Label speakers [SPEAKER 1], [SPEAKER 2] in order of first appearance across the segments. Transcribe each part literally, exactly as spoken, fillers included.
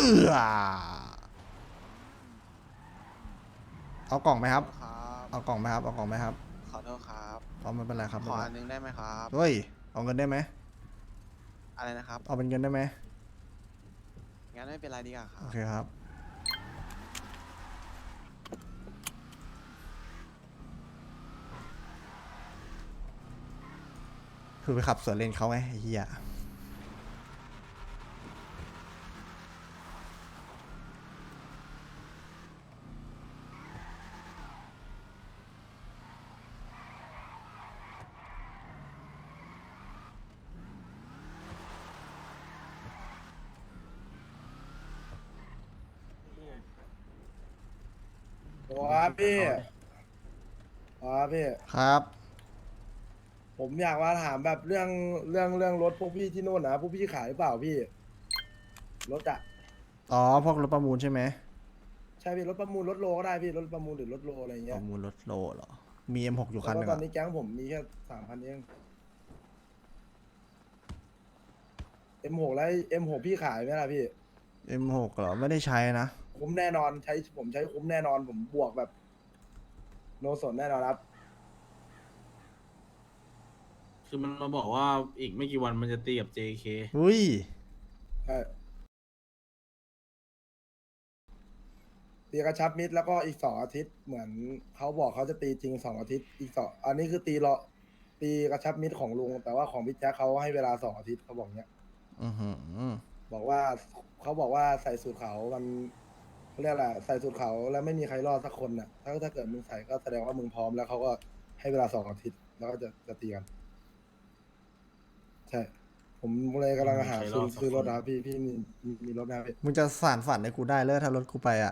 [SPEAKER 1] อเอากล่องไหมครับ
[SPEAKER 2] ครับ
[SPEAKER 1] เอากล่องไหมครับเอากล่องไหมครับ
[SPEAKER 2] ขอโทษครับ
[SPEAKER 1] เอาไม่เป็นไรครับ
[SPEAKER 2] ขอ
[SPEAKER 1] ไม่เป็นไร
[SPEAKER 2] อันนึงได้ไหมครับ
[SPEAKER 1] เฮ้ยเอาเงินได้ไหม
[SPEAKER 2] อะไรนะครับ
[SPEAKER 1] เอาเป็นเงินได้ไหม
[SPEAKER 2] งั้นไม่เป็นไรดีกว่าค
[SPEAKER 1] โอ
[SPEAKER 2] รับ
[SPEAKER 1] เคครับคือไปขับสวนเลนเขาไงไอ้เหี้ย
[SPEAKER 3] ว้าพี่ว้าพี่
[SPEAKER 1] ครับ
[SPEAKER 3] ผมอยากมาถามแบบเรื่องเรื่องเรื่องรถพวกพี่ที่นู่นนะพวกพี่ขายหรือเปล่าพี่รถอะ
[SPEAKER 1] อ๋อพวกรถประมูลใช่ไหม
[SPEAKER 3] ใช่พี่รถประมูลรถโลก็ได้พี่รถประมูลหรือรถโลอะไร
[SPEAKER 1] ป
[SPEAKER 3] เงี้ย
[SPEAKER 1] ระมูลรถโลเหรอมี เอ็ม หก อยู่
[SPEAKER 3] แต่
[SPEAKER 1] คันหนึ่งอะ
[SPEAKER 3] ว่าตอนนี้แก๊งผมมีแค่สามพันเองเอ็มหกแล้วเอ็มหกพี่ขายไหมล่ะพี่
[SPEAKER 1] เอ็ม หก เหรอไม่ได้ใช้นะ
[SPEAKER 3] คุ้มแน่นอนใช้ผมใช้คุ้มแน่นอนผมบวกแบบโนสนแน่นอนครับ
[SPEAKER 4] คือมันมาบอกว่าอีกไม่กี่วันมันจะตีกับ เจ เค
[SPEAKER 1] อุ้ย
[SPEAKER 3] ใช่ตีกระชับมิตรแล้วก็อีกสองอาทิตย์เหมือนเขาบอกเขาจะตีจริงสองอาทิตย์อีกสองอันนี้คือตีรอตีกระชับมิตรของลุงแต่ว่าของพี่แจ๊คเขาให้เวลาสองอาทิตย์เขาบอกเนี้ย
[SPEAKER 1] อือหือ
[SPEAKER 3] บอกว่าเขาบอกว่าใส่สูตรเขาวมันเขาเรียกอะไรใส่สูตรเขาวแล้วไม่มีใครรอดสักคนน่ะถ้าถ้าเกิดมึงใส่ก็แสดงว่ามึงพร้อมแล้วเขาก็ให้เวลาสองอาทิตย์แล้วก็จะจะตีกันใช่ผมเลยกำลังหาซื้อซื้อรถนะครับพี่พี่มีมีมีรถไหมครับพี่
[SPEAKER 1] มึงจะสานฝันให้กูได้เลยถ้ารถกูไปอะ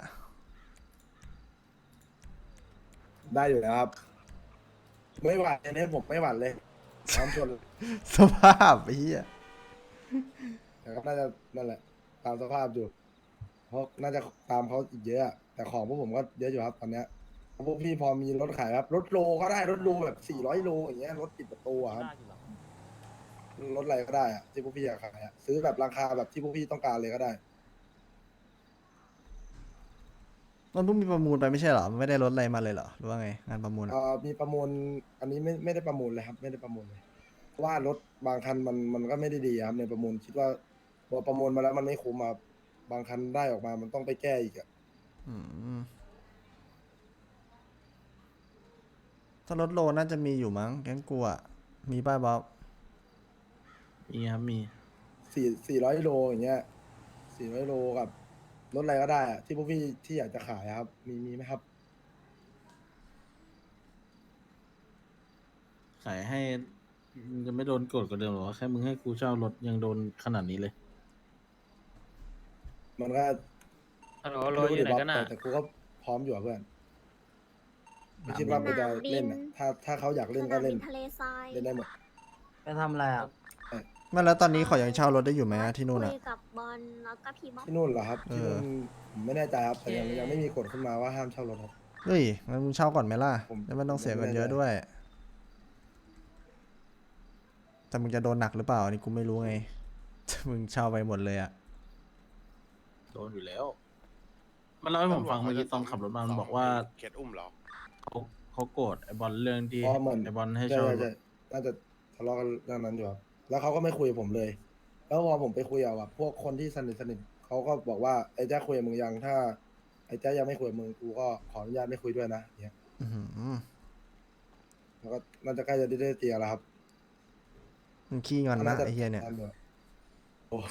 [SPEAKER 3] ได้อยู่แล้วครับไม่หวั่นเลยเนี่ยผมไม่หวั่นเลยพร้อมชนเลย
[SPEAKER 1] สภาพไอ้เหี้ย
[SPEAKER 3] แต่ก็น่าจะนั่นแหละตามสภาพอยู่เพราะน่าจะตามเขาอีกเยอะอะแต่ของพวกผมก็เยอะอยู่ครับตอนเนี้ยพวกพี่พอมีรถขายครับรถโลก็ได้รถโลแบบสี่ร้อยโลอย่างเงี้ยรถปิดประตูอะครับ รถอะไรก็ได้อะที่พวกพี่อยากขายอะซื้อแบบราคาแบบที่พวกพี่ต้องการเลยก็ได้
[SPEAKER 1] มันเพิ่งมีประมูลไปไม่ใช่เหรอมันไม่ได้ลดอะไรมาเลยเหรอหรือว่าไงงานประมูล
[SPEAKER 3] เอ่
[SPEAKER 1] อะ
[SPEAKER 3] อมีประมูลอันนี้ไม่ไม่ได้ประมูลเลยครับไม่ได้ประมูลเลยเพราะว่ารถบางคันมันมันก็ไม่ได้ดีอะครับในประมูลคิดว่าพอประมูลมาแล้วมันไม่คุ้มอะครับบางคันได้ออกมามันต้องไปแก้อีกอะ
[SPEAKER 1] อืมถ้ารถโลน่าจะมีอยู่มั้งแก๊งกูอะมีป้ายบ๊อบ
[SPEAKER 4] มีครับมี
[SPEAKER 3] สี่สี่ร้อยโลอย่างเงี้ยสี่ร้อยโลกับรถอะไรก็ได้อะที่พวกพี่ที่อยากจะขายอะครับมีมีไหมครับ
[SPEAKER 4] ขายให้มึงจะไม่โดนโกดกว่าเดิมหรอวะแค่มึงให้กูเช่ารถยังโดนขนาดนี้เลย
[SPEAKER 3] มันก็
[SPEAKER 5] ฮัลโหล
[SPEAKER 3] ไม่
[SPEAKER 5] โล
[SPEAKER 3] รู้ดิบ๊อบ
[SPEAKER 5] อยู่ไหนกันน่ะ
[SPEAKER 3] แต่แต่กูก็พร้อมอยู่อะเพื่อนไม่คิด
[SPEAKER 6] ส
[SPEAKER 3] ว่ามันจะ
[SPEAKER 6] นามบิน
[SPEAKER 3] เล่นอะถ้าถ้าเขาอยาก
[SPEAKER 6] ส
[SPEAKER 3] เล่นก็
[SPEAKER 6] นาม
[SPEAKER 3] เล่
[SPEAKER 6] บิ
[SPEAKER 3] น
[SPEAKER 6] นทะเลทราย
[SPEAKER 3] เล่นได้หมด
[SPEAKER 5] ไปทำอะไรอ่ะ
[SPEAKER 1] ไม่แล้วตอนนี้ขอยังเช่ารถได้อยู่ไหมอะที่นู่น
[SPEAKER 6] คุ
[SPEAKER 1] อะ
[SPEAKER 6] ยกับบอลแล้วก็พี่บ๊อบ
[SPEAKER 3] ที่นู่นเหรอครับ
[SPEAKER 1] เออ
[SPEAKER 3] ที่นู่นผมไม่แน่ใจครับแต่ยังยังไม่มีกฎขึ้นมาว่าห้ามเช่ารถครับ
[SPEAKER 1] เฮ้ยงั้นมึงเช่าก่อนไหมล่ะ
[SPEAKER 3] ผม
[SPEAKER 1] แล้วไม่ต้องเสีย
[SPEAKER 3] ผมไม่
[SPEAKER 1] เงินเยอะ
[SPEAKER 3] แน่ใจ
[SPEAKER 1] ด้วย แต่มึงจะโดนหนักหรือเปล่าอันนี้กูไม่รู้ไง มึงเช่าไปหมดเลยอะ
[SPEAKER 4] โดนอยู่แล้ว มันเล่าให้ผมฟังเมื่อกี้ตอนขับรถมามันบอกว่า
[SPEAKER 2] เคสอุ้มเหรอ
[SPEAKER 4] เขาเขาโกรธไอบอลเรื่องที่
[SPEAKER 3] เพราะเหมือน
[SPEAKER 4] ไอบอลให้
[SPEAKER 3] ใช่
[SPEAKER 4] เช่าร
[SPEAKER 3] ใช่
[SPEAKER 4] ถ
[SPEAKER 3] ใช่น่าจะทะเลาะกันเรื่องนั้นอยู่ครับแล้วเขาก็ไม่คุยกับผมเลย แล้วพอผมไปคุยกับแบบพวกคนที่สนิทสนิทเขาก็บอกว่าไอ้แจ๊คคุยกับมึงยังถ้าไอ้แจ๊คยังไม่คุยกับมึงกูก็ขออนุญาตไม่คุยด้วยนะเนี่ย
[SPEAKER 1] อื้อหือ
[SPEAKER 3] แล้วก็น่าจะใกล้จะได้เตียแล้วครับ
[SPEAKER 1] มึงขี้งอนนะไอ้เหี้ยเนี่ย
[SPEAKER 3] าจะโอ้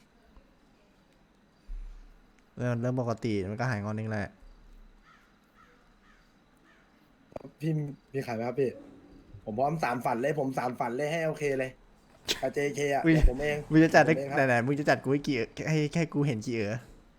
[SPEAKER 1] เรื่องเรื่องปกติมันก็หายงอนเองแหละ
[SPEAKER 3] พี่มีขายไหมครับพี่ ผมพร้อมสารฝันเลย ผมสารฝันเลยให้โอเคเลยกับ เจ เค อ่ะ
[SPEAKER 1] มึง
[SPEAKER 3] เดี๋ยวผมเอง
[SPEAKER 1] มึงจะจัดให้
[SPEAKER 3] ผมเองค
[SPEAKER 1] ไห
[SPEAKER 3] รับ
[SPEAKER 1] นๆมึงจะจัดกูให้กี่ให้แค่กูเห็นกี่เออ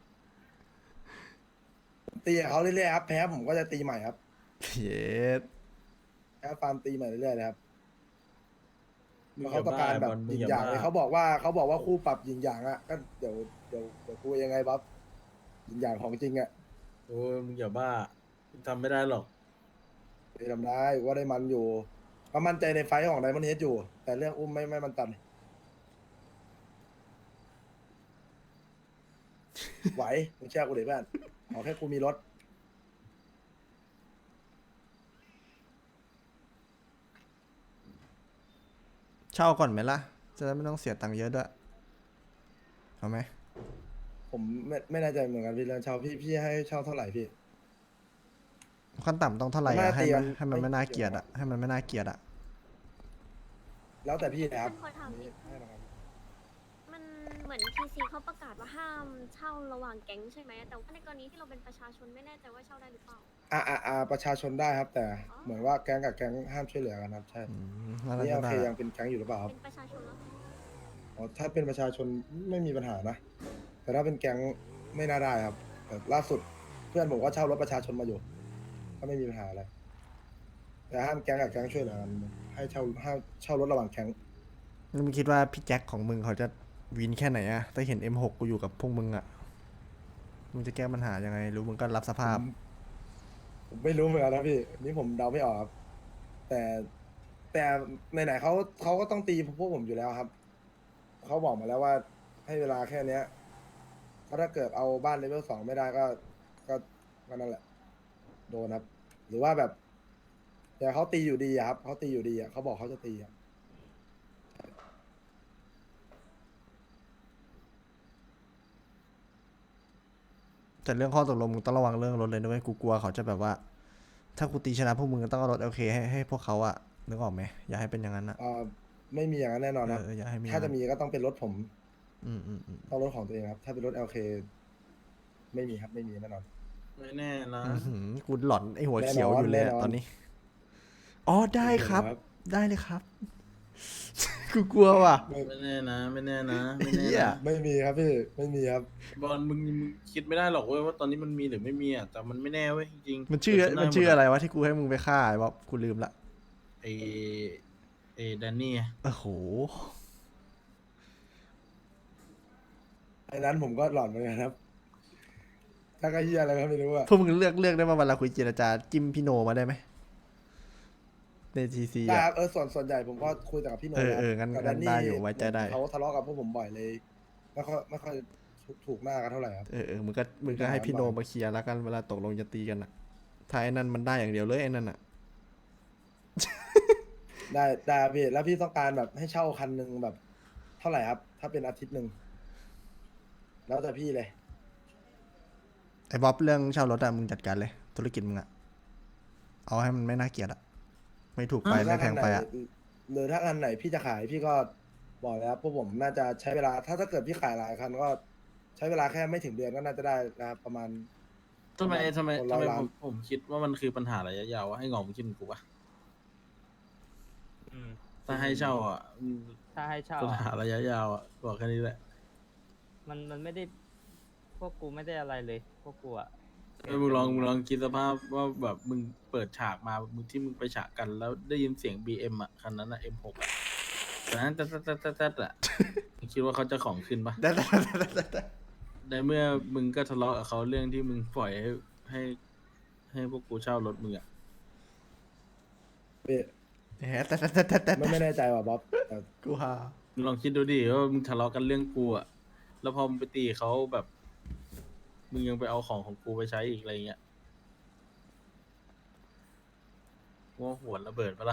[SPEAKER 3] ตีกับเขาเรื่อยๆครับแพ้ผมก็จะตีใหม่ครับ
[SPEAKER 1] เย็ด
[SPEAKER 3] แพ้ฟาร์มตีใหม่เรื่อยๆเลยครับ
[SPEAKER 4] มึง
[SPEAKER 3] เพราะ
[SPEAKER 4] อย่า
[SPEAKER 3] เขาต้องการแบบ
[SPEAKER 4] บ้าบอลมึ
[SPEAKER 3] ยิ
[SPEAKER 4] ง
[SPEAKER 3] ง
[SPEAKER 4] อย่า
[SPEAKER 3] อย่างเลย
[SPEAKER 4] บ้า
[SPEAKER 3] เขาบอกว่าเขาบอกว่าคู่ปรับยิงอย่างอ่ะก็เดี๋ยวเดี๋ยวเดี๋ยวกูยังไงบ๊อบยิงอย่างของจริงอ่ะ
[SPEAKER 4] โอ้ยมึงอย่าบ้ามึงทำไม่ได้หรอก
[SPEAKER 3] ไปทำได้ว่าได้มันอยู่ก็มั่นใจในไฟท์ของไดมอนด์เฮดอยู่ แต่เรื่องอุ้มไม่ไม่มันตัน
[SPEAKER 1] ช
[SPEAKER 3] ไหวมึงเชื่อกูดิเพื่อนขอแค่กูมีรถ
[SPEAKER 1] เช่าก่อนไหมล่ะ จะได้ไม่ต้องเสียตังค์เยอะด้วยเอาไหม
[SPEAKER 3] ผมไม่ไม่แน่ใจเหมือนกันพี่เรื่องเช่าพี่พี่ให้เช่าเท่าไหร่พี่
[SPEAKER 1] ขั้นต่ำต้องเท่าไหร่
[SPEAKER 3] น่า
[SPEAKER 1] อะให้
[SPEAKER 3] ตี
[SPEAKER 1] มัน
[SPEAKER 3] มัน
[SPEAKER 1] ให้มัน
[SPEAKER 3] ไม่
[SPEAKER 1] ไม่น่า
[SPEAKER 3] เกี่
[SPEAKER 1] เกลีย
[SPEAKER 3] ยว
[SPEAKER 1] ดอะให้มันไม่น่าเกลียดอะ
[SPEAKER 3] แล้วแต่พี่นะครับ
[SPEAKER 6] ขอถามนิด
[SPEAKER 3] ให้นะครับ
[SPEAKER 6] มันเหมือนทีซีเขาประกาศว่าห้ามเช่าระหว่างแก๊งใช่ไหมแต่ว่าในกรณีที่เราเป็นประชาชนไม่แน่ใจว่าเช่าได้หรือเปล่า
[SPEAKER 3] อ่าอ่าอ่าประชาชนได้ครับ แต่เหมือนว่าแก๊งกับแก๊งห้ามช่วยเหลือกันครับใช่
[SPEAKER 1] อืมน่า
[SPEAKER 3] นี่
[SPEAKER 1] จะ
[SPEAKER 3] โอ
[SPEAKER 1] ได้
[SPEAKER 3] เคยังเป็นแก๊งอยู่หรือเปล่าครับ
[SPEAKER 6] เป็นประชาชนแล้ว
[SPEAKER 3] อ๋อถ้าเป็นประชาชนไม่มีปัญหานะ แต่ถ้าเป็นแก๊งไม่น่าได้ครับแต่ล่าสุดเพื่อนผมก็เช่ารถประชาชนมาอยู่ก็ไม่มีปัญหาอะไรแต่ห้ามแก๊งกับแก๊งช่วยเหลือกันให้เช่าห้ามเช่ารถระหว่างแก๊ง
[SPEAKER 1] แล้วมึงคิดว่าพี่แจ็คของมึงเขาจะวินแค่ไหนอะถ้าเห็น เอ็ม หก กูอยู่กับพวกมึงอะมึงจะแก้ปัญหายังไง รู้มึงก็รับสภาพ
[SPEAKER 3] ผมผมไม่รู้เหมือนกันนะพี่อันนี่ผมเดาไม่ออกครับ แต่แต่ไหนๆเขาเขาก็ต้องตีพวกผมอยู่แล้วครับเขาบอกมาแล้วว่าให้เวลาแค่เนี้ยเพราะถ้าเกิดเอาบ้านเลเวลสองไม่ได้ก็ก็ก็นั่นแหละ โดนครับ หรือว่าแบบ แต่เขาตีอยู่ดีอะครับเขาตีอยู่ดีอะเขาบอกเขาจะตีอะ
[SPEAKER 1] แต่เรื่องข้อตกลงมึงต้องระวังเรื่องรถเลยนะเว้ยกูกลัวเขาจะแบบว่า ถ้ากูตีชนะพวกมึงก็ต้องเอารถโอเคให้ให้พวกเขาอะนึกออกไหมอย่าให้เป็นอย่างนั้นอะ
[SPEAKER 3] เอ่อไม่มีอย่างนั้นแน่นอนครับ
[SPEAKER 1] เอออย่าให้มี
[SPEAKER 3] ถ้าจะมีก็ต้องเป็นรถผม
[SPEAKER 1] อืมอืมอืม
[SPEAKER 3] ต้องรถของตัวเองครับ ถ้าเป็นรถ แอล เค ไม่มีครับไม่มีแน่นอน
[SPEAKER 4] ไม่แน่นะ
[SPEAKER 1] อื้อหือกูหลอนไอหัว
[SPEAKER 3] แน่นอน
[SPEAKER 1] เขียวอยู่เลยอะ
[SPEAKER 3] แน่นอน
[SPEAKER 1] ตอนนี้อ๋อได้ครับ
[SPEAKER 3] ครับ
[SPEAKER 1] ได้เลยครับ กูกลัวว่ะ
[SPEAKER 3] ไม่
[SPEAKER 4] ไม่แน่นะ ไม่แน่นะ ไม่แน่
[SPEAKER 1] เหี้ย
[SPEAKER 4] นะ
[SPEAKER 3] ไม่มีครับพี่ไม่มีครับ
[SPEAKER 4] บอลมึงมึงคิดไม่ได้หรอกเว้ยว่าตอนนี้มันมีหรือไม่มีอ่ะแต่มันไม่แน่เว้ยจริงๆ
[SPEAKER 1] มันชื่อ
[SPEAKER 4] เกิดขึ้
[SPEAKER 1] มัน
[SPEAKER 4] ด้หด
[SPEAKER 1] ชื่ออะไรวะที่กูให้มึงไปฆ่าไอ้บ๊อบกูลืมละ
[SPEAKER 4] ไอไอแดนนี่ไง
[SPEAKER 1] โอ้โห
[SPEAKER 3] ไอ้นั้นผมก็หลอนเหมือนกันครับ ถ้าก็เฮียอะไรก็ไม่รู้อะ
[SPEAKER 1] พวกมึงเลือกเลือกได้มาเวลาคุยเจรจาจิ้มพี่โนมาได้ไหมในทีซี
[SPEAKER 3] ได้ค
[SPEAKER 1] อะ
[SPEAKER 3] รับเออส่วนส่วนใหญ่ผมก็คุยแต่กับพี่โน
[SPEAKER 1] เออ
[SPEAKER 3] นะ
[SPEAKER 1] เอองั้น
[SPEAKER 3] กับ
[SPEAKER 1] งั้น
[SPEAKER 3] แด
[SPEAKER 1] ได้อยู่ไว้ใจได้
[SPEAKER 3] เขาทะเลาะกับพวกผมบ่อยเลยไม่ค่อยไม่ค่อยถูกหน้ากันเท่าไหร่ครับ
[SPEAKER 1] เออเออมึงก็มึงก็ให้พี่โนมาเคลียร์แล้วกันเวลาตกลงจะตีกันอะถ้าไอ้นั่นมันได้อย่างเดียวเลยไอ้นั่นอะ
[SPEAKER 3] ได้ได้ครับพี่แล้วพี่ต้องการแบบให้เช่าคันหนึ่งแบบ เท่าไหร่ครับ ถ้าเป็นอาทิตย์หนึ่งแล้วแต่พี่เลย
[SPEAKER 1] ไอ้บ๊อบเรื่องเช่ารถอะมึงจัดการเลย ธุรกิจมึงอะเอาให้มันไม่น่าเกลียดอะไม่ถูกไปไม่แพงไปอะ
[SPEAKER 3] หรือถ้าอันไหนพี่จะขายพี่ก็บอกแล้วพวกผมน่าจะใช้เวลา ถ้าถ้าเกิดพี่ขายหลายคันก็ใช้เวลาแค่ไม่ถึงเดือนก็น่าจะได้นะครับประมาณ
[SPEAKER 4] ทำไมทำไม
[SPEAKER 3] คน
[SPEAKER 4] ทำ
[SPEAKER 3] ร้อย
[SPEAKER 4] ไม
[SPEAKER 3] ล้า
[SPEAKER 4] ผ
[SPEAKER 3] น
[SPEAKER 4] มผมคิดว่ามันคือปัญหาระยะยาววะให้งอกมึงคิดเหมือนกูปะถ้าให้เช่าอ่ะอืม
[SPEAKER 5] ถ้าให้เช่า
[SPEAKER 4] ปัญ
[SPEAKER 5] อะ
[SPEAKER 4] หาระยะยาวอ่ะบอกแค่นี้แหละ
[SPEAKER 5] มันมันไม่ได้ พวกกูไม่ได้อะไรเลย พวกกูอะ
[SPEAKER 4] เออมึงลองมึงลองคิดสภาพว่าแบบมึงเปิดฉากมามึงที่มึงไปฉากกันแล้วได้ยินเสียง บี เอ็ม อ่ะคันนั้นอ่ะ เอ็ม หก อ่ะแต่นั้นตัดตัดตัดตัดตัดอ่ะ มึงคิดว่าเขาจะของขึ้นปะ
[SPEAKER 1] ได้ได้ได้ได้ได้
[SPEAKER 4] ในเมื่อมึงก็ทะเลาะกับเขาเรื่องที่มึงปล่อยให้ให้ ให้พวกกูเช่ารถมึงอ่ะ
[SPEAKER 3] พี่
[SPEAKER 1] แหมแต่แต่แต่แต่แต่
[SPEAKER 3] ไม่ไม่แน่ใจว่ะบ๊อบแต่
[SPEAKER 1] กูฮา
[SPEAKER 4] มึงลองคิดดูดิว่ามึงทะเลาะกันเรื่องกูอ่ะ แล้วพอมึงไปตีเขาแบบ มึงยังไปเอาของของกูไปใช้อีกอะไรเงี้ยว่าหัวระเบิดปะล่ะ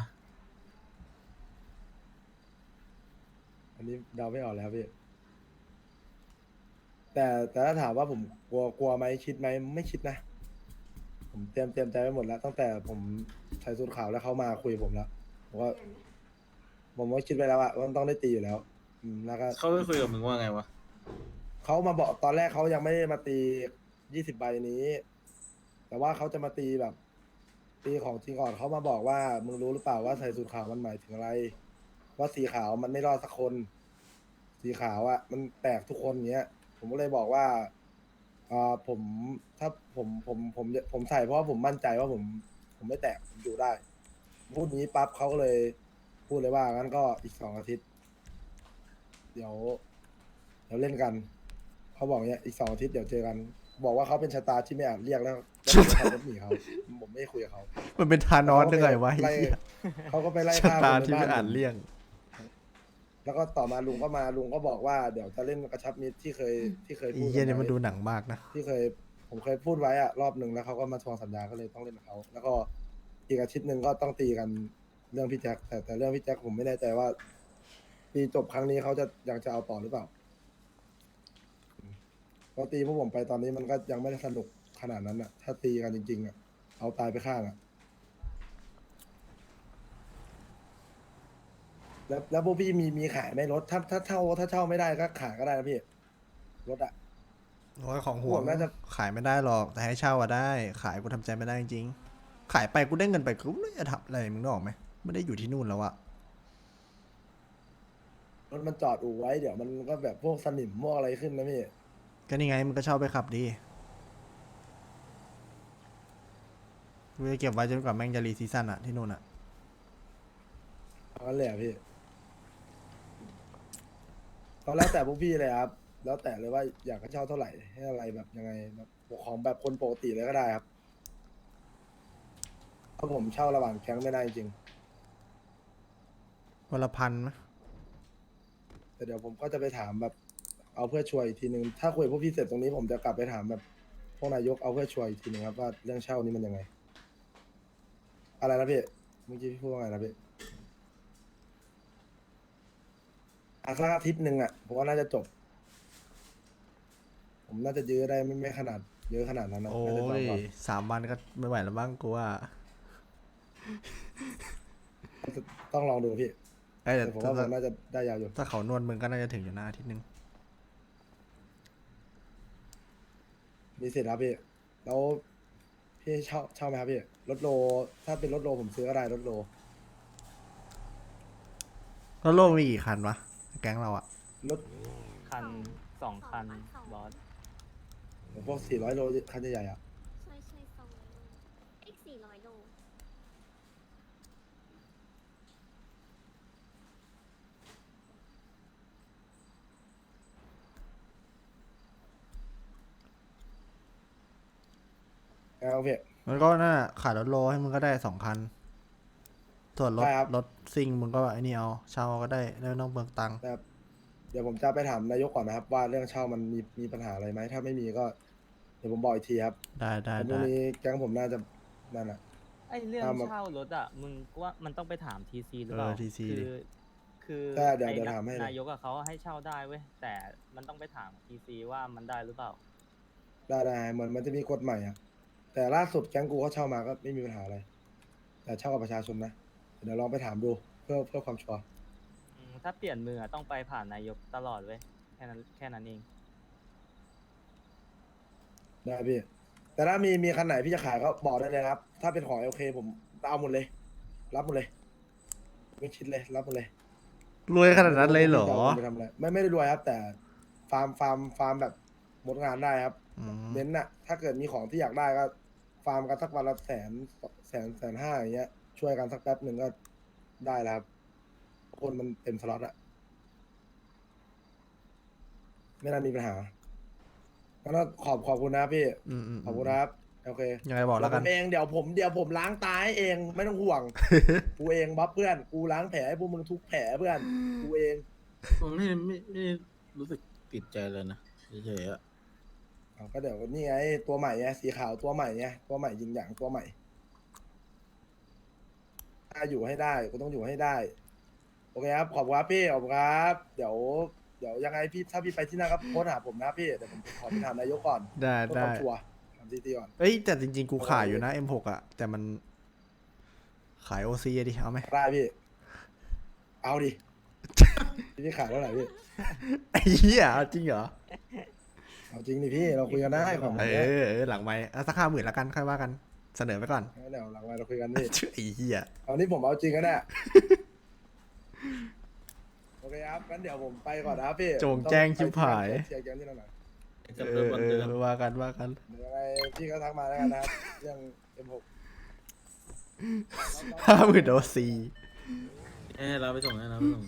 [SPEAKER 3] อันนี้เดาไม่ออกเลยครับพี่ แต่แต่ถ้าถามว่าผมกลัวกลัวไหมคิดไหมไม่คิดนะ ผมเตรียมเตรียมใจไว้หมดแล้ว ตั้งแต่ผมใส่สูทขาวแล้วเขามาคุยกับผมแล้วผมว่าผมว่าคิดไปแล้วอะว่ามันต้องได้ตีอยู่แล้ว อืมแล้วก็
[SPEAKER 4] เขาไปคุยกับมึงว่าไงวะ
[SPEAKER 3] เขามาบอกตอนแรกเขายังไม่ได้มาตียี่สิบใบนี้ แต่ว่าเขาจะมาตีแบบ ตีของจริงก่อนเขามาบอกว่ามึงรู้หรือเปล่าว่าใส่สูทขาวมันหมายถึงอะไร ว่าสีขาวมันไม่รอดสักคน สีขาวอะ่ะ มันแตกทุกคนเงี้ย ผมก็เลยบอกว่าอ่าผมถ้าผมผมผมผมใส่เพราะว่าผมมั่นใจว่าผม ผมไม่แตกผมอยู่ได้ พูดนี้ปั๊บเขาก็เลย พูดเลยว่างั้นก็อีกสองอาทิตย์ เดี๋ยว เดี๋ยวเล่นกัน เขาบอกเนี้ยอีกสองอาทิตย์เดี๋ยวเจอกัน บอกว่าเขาเป็นชะตาที่ไม่อาจเรียกแล้วแล้วผมขับรถหนีเขาผมไม่คุยกับเขา
[SPEAKER 1] มันเป็นทานอสยังไงวะไอ้
[SPEAKER 3] ไล่
[SPEAKER 1] เหี้ย
[SPEAKER 3] เขาก็ไปไล่
[SPEAKER 1] ชะ
[SPEAKER 3] ฆ่า
[SPEAKER 1] ตา
[SPEAKER 3] คนใน
[SPEAKER 1] ที่
[SPEAKER 3] บ้า
[SPEAKER 1] ไม่
[SPEAKER 3] น
[SPEAKER 1] อ่าน
[SPEAKER 3] ผม
[SPEAKER 1] เลี่ยง
[SPEAKER 3] แล้วก็ต่อมาลุงก็มาลุงก็บอกว่าเดี๋ยวจะเล่นกระชับมิตรที่เคยที่เคย
[SPEAKER 1] ไอ้
[SPEAKER 3] พูด
[SPEAKER 1] เหี้ย
[SPEAKER 3] กั
[SPEAKER 1] เนี่ย
[SPEAKER 3] ไว้
[SPEAKER 1] มันดูหนังมากนะ
[SPEAKER 3] ที่เคยผมเคยพูดไว้อะรอบหนึ่งแล้วเขาก็มาทวงสัญญาก็เลยต้องเล่นกับเขาแล้วก็อีกอาทิตย์หนึ่งก็ต้องตีกันเรื่องพี่แจ็คแต่แต่เรื่องพี่แจ็คผมไม่แน่ใจว่าตีจบครั้งนี้เขาจะยังจะเอาต่อหรือเปล่าเพราะตีพวกผมไปตอนนี้มันก็ยังไม่ได้สนุกขนาดนั้นอะถ้าตีกันจริง ๆอะเอาตายไปข้างอะแล้วแล้วพวกพี่มีมีขายไหมรถถ้าถ้าเช่าถ้าเช่าไม่ได้ก็ขายก็ได้นะพี่รถอะ
[SPEAKER 1] โอ้ยของห่วง
[SPEAKER 3] ห่วงน่าจะ
[SPEAKER 1] ขายไม่ได้หรอกแต่ให้เช่าอะได้ ขายกูทำใจไม่ได้จริงๆขายไปกูได้เงินไปกูไม่ได้จะทำอะไรมึงนึกออกไหมไม่ได้อยู่ที่นู่นแล้วอะ
[SPEAKER 3] รถมันจอดอู่ไว้เดี๋ยวมันก็แบบพวกสนิมพวกอะไรขึ้นนะพี่
[SPEAKER 1] ก็นี่ไงมึงก็เช่าไปขับดีกูจะเก็บไว้จนกว่าแม่งจะรีซีซั่นอะที่นู่นอะ
[SPEAKER 3] เอางั้นเลยเหรอ่ะพี่ก็แล้วแต่พวกพี่เลยครับ แล้วแต่เลยว่าอยากจะเช่าเท่าไหร่ให้อะไรแบบยังไงแบบของแบบคนปกติเลยก็ได้ครับเพราะผมเช่าระหว่างแก๊งไม่ได้จริง
[SPEAKER 1] วันละพันไหม
[SPEAKER 3] แต่เดี๋ยวผมก็จะไปถามแบบเอาเพื่อช่วยอีกทีนึงถ้าคุยกับพวกพี่เสร็จตรงนี้ผมจะกลับไปถามแบบพวกนายกเอาเพื่อช่วยอีกทีนึงครับว่าเรื่องเช่านี่มันยังไง อะไรนะพี่เมื่อกี้พี่พูดว่าไงนะพี่อาสักอาทิตย์หนึ่งอ่ะผมว่าน่าจะจบ ผมน่าจะยื้อได้ไม่ไม่ขนาดเยอะขนาดนั้นนะ
[SPEAKER 1] โอ้
[SPEAKER 3] น่าจะ
[SPEAKER 1] ย
[SPEAKER 3] ก่อน
[SPEAKER 1] สามวันก็ไม่ไหวแล้วบ้างกูว่า
[SPEAKER 3] ต้องลองดูพี่
[SPEAKER 1] เอ้ยแต่
[SPEAKER 3] แต่ผม
[SPEAKER 1] ถ้า
[SPEAKER 3] ว่าผมน่าจะได้ยาวอยู่
[SPEAKER 1] ถ้าเขานวดมึงก็น่าจะถึงอยู่หน้าอาทิตย์นึง
[SPEAKER 3] มีสิทธิ์ครับพี่แล้วพี่เช่าเช่าไหมครับพี่รถโลถ้าเป็นรถโลผมซื้อก็ได้รถโล
[SPEAKER 1] แล้วโลกมีกี่คันวะแก๊งเราอะ
[SPEAKER 3] รถ
[SPEAKER 5] คันสองคันบอส
[SPEAKER 3] พวกสี่ร้อยโลคันใหญ่ๆอ่ะ
[SPEAKER 6] ใช่ใช่สองร้อยโลเอ็กสี่ร้อยโล
[SPEAKER 3] เอาพี่
[SPEAKER 1] มันก็น่าขายรถโลให้มึงก็ได้สองคัน ส่วนรถ
[SPEAKER 3] ได้ครับ
[SPEAKER 1] รถซิ่งมึงก็ไอ้นี่เอาเช่าก็ได้แล้วไม่ต้องเบิกตังค์
[SPEAKER 3] นะครับเดี๋ยวผมจะไปถามนายกก่อนนะครับ ว่าเรื่องเช่ามันมีมีปัญหาอะไรไหมถ้าไม่มีก็ เดี๋ยวผมบอกอีกทีครับ
[SPEAKER 1] ได้ได้
[SPEAKER 3] แต่พรุ่
[SPEAKER 1] ได้
[SPEAKER 3] งนี้แก๊งผมน่าจะนั่นแหละ
[SPEAKER 5] ไอเรื่อง
[SPEAKER 3] ตามมา
[SPEAKER 5] เช่ารถอ่ะมึงกูว่ามันต้องไปถามทีซีหรือ
[SPEAKER 1] เอ
[SPEAKER 5] เปล่า
[SPEAKER 1] อทีซี
[SPEAKER 5] คือคือ
[SPEAKER 3] ใช่เดี๋ยว
[SPEAKER 5] ไอ้
[SPEAKER 3] เดี๋ยว
[SPEAKER 5] นะ
[SPEAKER 3] ถามให้เลย
[SPEAKER 5] นายกอะเขาให้เช่าได้เว้ยแต่มันต้องไปถามทีซีว่ามันได้หรือเปล่า
[SPEAKER 3] ได้ได้เหมือนมันจะมีกฎใหม่อ่ะแต่ล่าสุดแก๊งกูเขาเช่ามาก็ไม่มีปัญหาอะไร แต่เช่ากับประชาชนนะเดี๋ยวลองไปถามดูเพื่อเพื่อความชัวร์
[SPEAKER 5] อืมถ้าเปลี่ยนมืออะต้องไปผ่านนายกตลอดเว้ยแค่นั้นแค่นั้นเอง
[SPEAKER 3] ได้พี่ แต่ถ้ามีมีคันไหนพี่จะขายก็บอกได้เลยนะครับ ถ้าเป็นของโอเคผมเอาหมดเลย รับหมดเลย ไม่คิดเลยรับหมดเลย
[SPEAKER 1] รวยขนาดนั้นเลยเหรอ
[SPEAKER 3] ไม่รู้ว่าพี่จะาไปทำอะไรไม่ไม่ได้รวยครับ แต่ฟาร์มฟาร์มฟาร์มแบบหมดงานได้ครับ
[SPEAKER 1] อืม
[SPEAKER 3] เน้นน่ะ ถ้าเกิดมีของที่อยากได้ก็ ฟาร์มกันสักวันละแสนแสนแสนห้าอย่างเงี้ย ช่วยกันสักแป๊บหนึ่งก็ได้แล้วครับคนมันเต็มสล็อตอะไม่น่ามีปัญหางั้นก็ขอบขอบคุณนะครับพี่
[SPEAKER 1] อืมอืม
[SPEAKER 3] ขอบคุณนะครับโอเค
[SPEAKER 1] ยังไงบอกแล้วกัน
[SPEAKER 3] เดี๋ยผมเองเดี๋ยวผมเดี๋ยวผมล้างตาให้เองไม่ต้องห่วง กูเองบัฟเพื่อนกูล้างแผลให้พวกมึงทุกแผลเพื่อนกูเอง
[SPEAKER 4] ผมไม่ไม่ไม่รู้สึกติดใจเลยนะเฉยๆอะ
[SPEAKER 3] เอาก็เดี๋ยวนี่ไงตัวใหม่ไงสีขาวตัวใหม่ไงตัวใหม่ยิงอย่างตัวใหม่ถ้าอยู่ให้ได้กูต้องอยู่ให้ได้โอเคครับขอบคุณครับพี่ขอบคุณครับเดี๋ยวเดี๋ยวยังไงพี่ถ้าพี่ไปที่นั่นก็โพสต์หาผมนะพี่เดี๋ยวผมขอไปถามนายกก่อน
[SPEAKER 1] ได้
[SPEAKER 3] เพื่อค
[SPEAKER 1] ได้
[SPEAKER 3] วามชัวร์ถามทีทีก่อน
[SPEAKER 1] เอ้ยแต่จริงๆ กูขายอยู่นะ เอ็ม หก อ่ะ แต่มันขาย โอ ซี ดิ เอาไหม
[SPEAKER 3] ได้พี่ เอาดิ พี่ขายเท่าไหร่พี่
[SPEAKER 1] ไอ้เหี้ยเอาจริงเหรอ
[SPEAKER 3] เอาจริงดิพี่เราคุยกันได้ของ
[SPEAKER 1] เอ
[SPEAKER 3] เนี้ย
[SPEAKER 1] อเออหลังไม้สักห้าหมื่นละกัน ค่อยว่ากัน เสนอไปก่อน
[SPEAKER 3] เดี๋ยวหลังไมค์เราคุยกันพี่
[SPEAKER 1] ชื่อไอ้เหี้ย
[SPEAKER 3] เอานี่ผมเอาจริงกันแน่ โอเคครับงั้นเดี๋ยวผมไปก่อนนะครับพี่
[SPEAKER 1] โจงแจ้งชิบหาย
[SPEAKER 3] เชียร์แกมที่นั่นหน่อย
[SPEAKER 4] กับ
[SPEAKER 1] เอ
[SPEAKER 4] เรื่อ
[SPEAKER 1] อง
[SPEAKER 4] วัน
[SPEAKER 1] เอ
[SPEAKER 4] เดิ
[SPEAKER 1] อ
[SPEAKER 4] ม
[SPEAKER 1] ว่ากันว่ากัน
[SPEAKER 3] เดี๋ยวยังไงพี่ก็ทักมาแล้วกันนะครับ เรื่อง เอ็ม หก
[SPEAKER 1] ห้าหมื่นโอซี
[SPEAKER 4] ให้เราไปส่งให้เราไปส่ง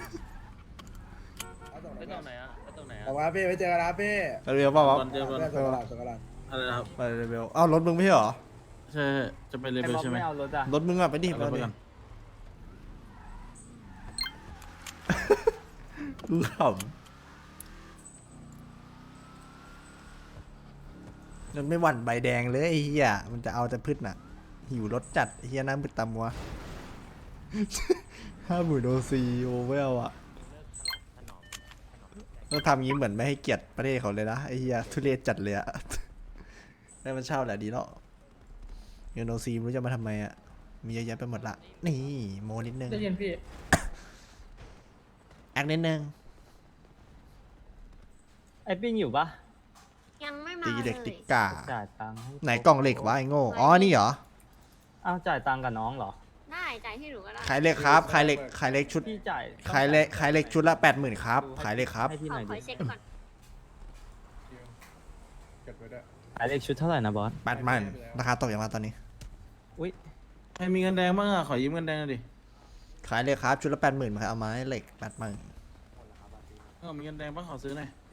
[SPEAKER 3] เอาส่ง
[SPEAKER 5] ไป
[SPEAKER 3] ไหน
[SPEAKER 5] ตรงไหนอะไปตรงไหน
[SPEAKER 3] ขอบ
[SPEAKER 5] อะ
[SPEAKER 3] คุณครับพี่ไว้เจอกันนะครับพี่
[SPEAKER 1] เรียกว่าว่า
[SPEAKER 4] วันเดียววัน
[SPEAKER 3] เรื่องส่งกระดาษส่งกระดาษ
[SPEAKER 4] อะไรนะครับ
[SPEAKER 1] ไปเร็วเอ้ารถมึงไม่ใช่เหรอ
[SPEAKER 4] ใช่ใช่จะไปเล
[SPEAKER 5] ไอ้
[SPEAKER 4] เวล
[SPEAKER 5] บ๊อบ
[SPEAKER 4] ใช่ไหม
[SPEAKER 5] ไม่เอารถอะ
[SPEAKER 1] รถมึงอ่ะไปดิ
[SPEAKER 4] เอา
[SPEAKER 1] ไป
[SPEAKER 4] รถไป
[SPEAKER 1] ดิ
[SPEAKER 4] ก่อน
[SPEAKER 1] กูขำมันไม่หวั่นใบแดงเลยไอ้เหี้ยมันจะเอาแต่พืชน่ะ หิวรสจัดไอ้เหี้ยน้ำมืดตำวะ ห้าหมื่นโอซีโอเวลอะเราทำงี้เหมือนไม่ให้เกียรติประเทศเขาเลยนะไอ้เหี้ยทุเรศจัดเลยอะ ได้มันเช่าแหละดีเนาะเงินโอซีไม่รู้จะมาทำไมอะมีเยอะแยะไปหมดละ นี่โมนิดนึง
[SPEAKER 7] ได้ยินพี่
[SPEAKER 1] แอคนิดนึง
[SPEAKER 5] ไอ้ปิ้งอยู่ปะ
[SPEAKER 6] ยังไม่มา
[SPEAKER 1] ตี
[SPEAKER 6] เล
[SPEAKER 1] เด็กติ
[SPEAKER 6] ย
[SPEAKER 1] กกา
[SPEAKER 5] จ่ายตังค์ให้
[SPEAKER 1] ไหนกล่องเหล็กวะไอ้โง่ อ๋อ นี่เหรอ
[SPEAKER 5] อ้าวจ่ายตังค์กับน้องเหรอ
[SPEAKER 6] ได้จ่ายที่หนูก็ได้
[SPEAKER 1] ขายเหล็กครับ ขายเหล็ก ขายเหล็กชุด
[SPEAKER 5] พี่จ่าย
[SPEAKER 1] ขายเหล็ก ขายเหล็กชุดละแปดหมื่นครับ ขายเหล็กครับ
[SPEAKER 5] ให้พี่
[SPEAKER 6] ข
[SPEAKER 5] ห
[SPEAKER 6] อ
[SPEAKER 5] น่อย
[SPEAKER 6] ขอ
[SPEAKER 5] ดิ
[SPEAKER 6] เช็คก่อน
[SPEAKER 5] ขายเลขชุดเท่าไหร่นะบอส
[SPEAKER 1] แปดหมื่นราคาตกอย่างมาตอนนี้
[SPEAKER 5] อุ้ย
[SPEAKER 4] ใครมีเงินแดงบ้างอะขอยืมเงินแดงหน่อยดิ
[SPEAKER 1] ขายเหล็กครับ ชุดละแปดหมื่นมาเอาไม้เหล็กแปดหมื่น
[SPEAKER 4] เออมีเงินแดงบ้างขอซื้อหน่อย